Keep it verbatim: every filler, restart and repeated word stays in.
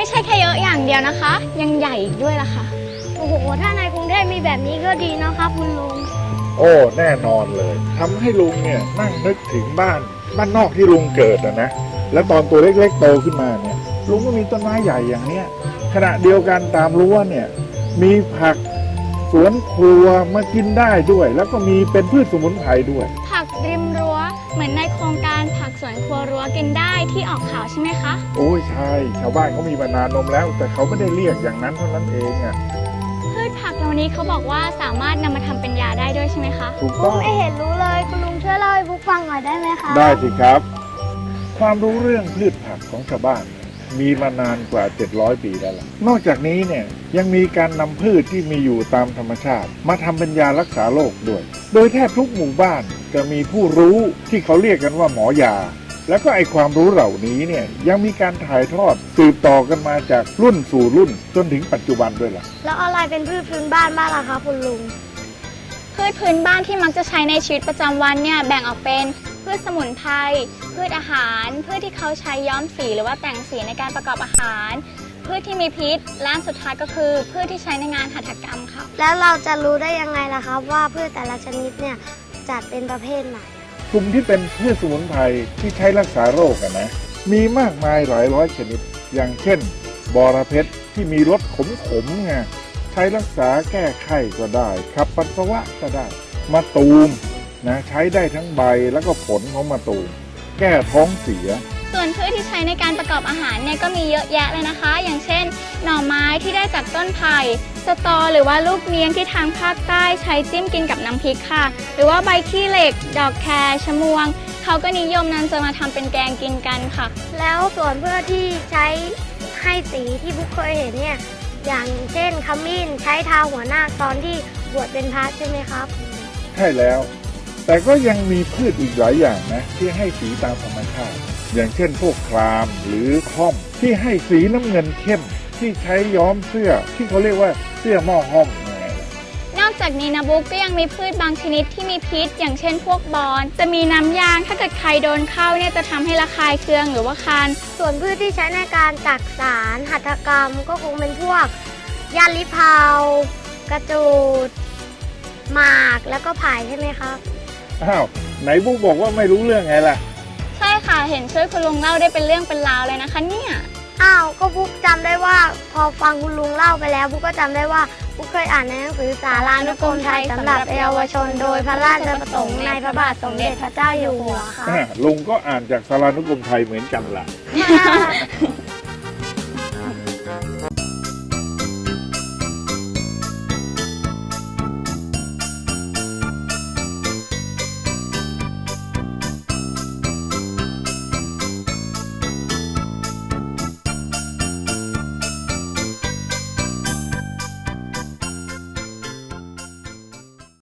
ใช่แค่เยอะอย่างเดียวนะคะ ยังใหญ่อีกด้วยล่ะค่ะโอ้โหถ้าในกรุงเทพมีแบบนี้ก็ดีนะครับคุณลุงโอ้แน่นอนเลยทำให้ลุงเนี่ยนั่งนึกถึงบ้านบ้านนอกที่ลุงเกิดนะนะแล้วตอนตัวเล็กๆโตขึ้นมาเนี่ยลุงก็มีต้นไม้ใหญ่อย่างเนี้ยขณะเดียวกันตามรั้วเนี่ยมีผักสวนครัวมากินได้ด้วย แล้วก็มีเป็นพืชสมุนไพรด้วยผักริมรั้วเหมือนในโครงการผักสวนครัวรั้วกินได้ที่ออกข่าวใช่ไหมคะโอ้ยใช่ชาวบ้านเขามีมานานนมแล้วแต่เขาไม่ได้เรียกอย่างนั้นเท่านั้นเองอ่ะพืชผักเหล่านี้เขาบอกว่าสามารถนำมาทำเป็นยาได้ด้วยใช่ไหมคะถูกต้องไม่เห็นรู้เลยคุณลุงช่วยเล่าให้บุ๊กฟังหน่อยได้ไหมคะได้สิครับความรู้เรื่องพืชผักของชาวบ้านมีมานานกว่าเจ็ดร้อยปีแล้วล่ะนอกจากนี้เนี่ยยังมีการนำพืชที่มีอยู่ตามธรรมชาติมาทำเป็นยารักษาโรคด้วยโดยแทบทุกหมู่บ้านจะมีผู้รู้ที่เขาเรียกกันว่าหมอยาแล้วก็ไอความรู้เหล่านี้เนี่ยยังมีการถ่ายทอดสืบต่อกันมาจากรุ่นสู่รุ่นจนถึงปัจจุบันด้วยล่ะแล้วอะไรเป็นพืชพื้นบ้านบ้างล่ะคะคุณลุงพืชพื้นบ้านที่มักจะใช้ในชีวิตประจำวันเนี่ยแบ่งออกเป็นพืชสมุนไพรพืชอาหารพืชที่เขาใช้ย้อมสีหรือว่าแต่งสีในการประกอบอาหารพืชที่มีพิษและสุดท้ายก็คือพืชที่ใช้ในงานหัตถกรรมค่ะแล้วเราจะรู้ได้ยังไงล่ะครับว่าพืชแต่ละชนิดเนี่ยจัดเป็นประเภทไหนกลุ่มที่เป็นพืชสมุนไพรที่ใช้รักษาโรคกันนะมีมากมายหลายร้อยชนิดอย่างเช่นบอระเพ็ดที่มีรสขมๆไงใช้รักษาแก้ไข้ก็ได้ขับปัสสาวะก็ได้มะตูมนะใช้ได้ทั้งใบแล้วก็ผลของมะตูมแก้ท้องเสียส่วนพืชที่ใช้ในการประกอบอาหารเนี่ยก็มีเยอะแยะเลยนะคะอย่างเช่นหน่อไม้ที่ได้จากต้นไผ่สตอหรือว่าลูกเนียงที่ทางภาคใต้ใช้จิ้มกินกับน้ำพริกค่ะหรือว่าใบขี้เหล็กดอกแครชะมวงเขาก็นิยมนำจะมาทำเป็นแกงกินกันค่ะแล้วส่วนพืชที่ใช้ให้สีที่บุ๊กเคยเห็นเนี่ยอย่างเช่นขมิ้นใช้ทาหัวหน้าตอนที่บวชเป็นพระใช่ไหมครับใช่แล้วแต่ก็ยังมีพืชอีกหลายอย่างนะที่ให้สีตามธรรมชาติอย่างเช่นพวกครามหรือค่อมที่ให้สีน้ำเงินเข้มที่ใช้ย้อมเสื้อที่เขาเรียกว่าเสื้อหม้อห้อมไงนอกจากนี้นะบุ๊กก็ยังมีพืชบางชนิดที่มีพิษอย่างเช่นพวกบอนจะมีน้ำยางถ้าเกิดใครโดนเข้าเนี่ยจะทำให้ระคายเคืองหรือว่าคันส่วนพืชที่ใช้ในการจักสารหัตถกรรมก็คงเป็นพวกยาลิเพากระจูดหมากแล้วก็ไผ่ใช่ไหมครับอ้าวไหนบุ๊กบอกว่าไม่รู้เรื่องไงล่ะใช่ค่ะเห็นช่วยคุณลุงเล่าได้เป็นเรื่องเป็นราวเลยนะคะเนี่ยอ้าวก็บุ๊กจำได้ว่าพอฟังคุณลุงเล่าไปแล้วบุ๊กก็จำได้ว่าบุ๊กเคยอ่านในหนังสือสารานุกรมไทยสำหรับเยาวชนโดยพระราชประสงค์ในพระบาทสมเด็จพระเจ้าอยู่หัวค่ะลุงก็อ่านจากสารานุกรมไทยเหมือนกันล่ะ